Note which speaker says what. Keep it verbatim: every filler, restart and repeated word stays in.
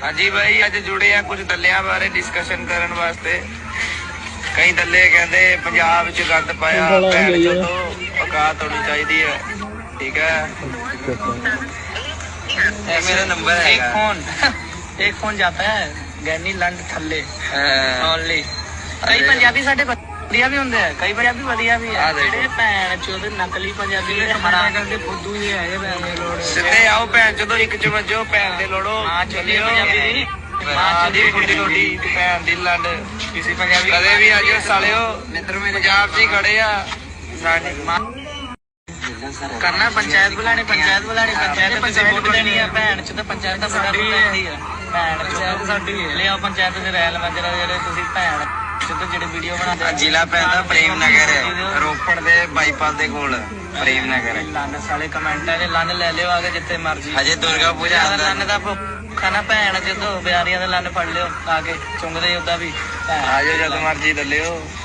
Speaker 1: हाँ जी भाई, अज जुड़े हैं कुछ दलिया बारे डिस्कशन करने वास्ते। कई दले कहते पंजाब च गंद पाया, भैन चोदो औकात होनी चाहिए है। ठीक है, मेरा नंबर है। एक फोन एक फोन जाता है गैनी लंड थल्ले ओनली। कई पंजाबी साडे ਵਧੀਆ ਵੀ ਹੁੰਦੇ ਆ, ਕਈ ਪੰਜਾਬੀ ਵਧੀਆ ਵੀ ਆ। ਜਿਹੜੇ ਭੈਣ ਚੋਦ ਨਕਲੀ ਪੰਜਾਬੀ ਨੇ ਹਮਾਰਾ ਕਰਕੇ ਫੁੱਦੂ ਹੀ ਹੈਗੇ ਭੈਣ ਦੇ ਲੋੜ। ਸਿੱਧੇ ਆਓ ਭੈਣ ਚੋਦੋ, ਇੱਕ ਚ ਵੱਜੋ ਭੈਣ ਦੇ ਲੋੜੋ। ਮਾਂ ਚੋਦੀ ਪੰਜਾਬੀ ਦੀ ਮਾਂ ਦੀ ਫੁੱਦੀ ਰੋਟੀ ਭੈਣ ਦੀ ਲੰਡ ਕਿਸੇ ਪੰਜਾਬੀ ਕਦੇ ਵੀ ਆਜੋ ਸਾਲਿਓ। ਪੰਜਾਬ 'ਚ ਹੀ ਖੜੇ ਆ ਸਾਡੇ ਮਾਂ ਕਰਨਾ। ਪੰਚਾਇਤ ਬੁਲਾਣੀ ਪੰਚਾਇਤ ਬੁਲਾਣੀ ਪੰਚਾਇਤ ਤੁਸੀਂ ਵੋਟ ਦੇਣੀ ਆ। ਭੈਣ ਚ ਤਾਂ ਪੰਚਾਇਤ ਤਾਂ ਸਾਡੀ ਰਹਿੰਦੀ ਆ। ਭੈਣ ਪੰਚਾਇਤ ਸਾਡੀ ਹੈ। ਲਿਆਓ ਪੰਚਾਇਤ ਦੇ ਰੈਲ ਮੰਜਰਾ ਜਿਹੜੇ ਤੁਸੀਂ ਭੈਣ ਜਿਹੜੇ ਵੀਡੀਓ ਬਣਾਉਂਦੇ। ਜ਼ਿਲ੍ਹਾ ਪੈਂਦਾ ਪ੍ਰੇਮ ਨਗਰ, ਰੋਪੜ ਦੇ ਬਾਈਪਾਸ ਦੇ ਕੋਲ ਪ੍ਰੇਮ ਨਗਰ। ਲੰਨ ਸਾਲੇ ਕਮੈਂਟਾਂ 'ਚ ਲੰਨ ਲੈ ਲਿਓ ਆ ਕੇ ਜਿੱਥੇ ਮਰਜੀ। ਹਜੇ ਦੁਰਗਾ ਪੂਜਾ ਲੰਨ ਦਾ ਖਾਣਾ ਭੈਣ ਜਦੋਂ ਬਿਆਰੀਆਂ ਦਾ ਲੰਨ ਫੜ ਲਿਓ ਆ ਕੇ ਚੁੰਗਦੇ ਉਦਾਂ ਵੀ। ਆ ਜਾਓ ਜਦ ਮਰਜੀ ਦੱਲਿਓ।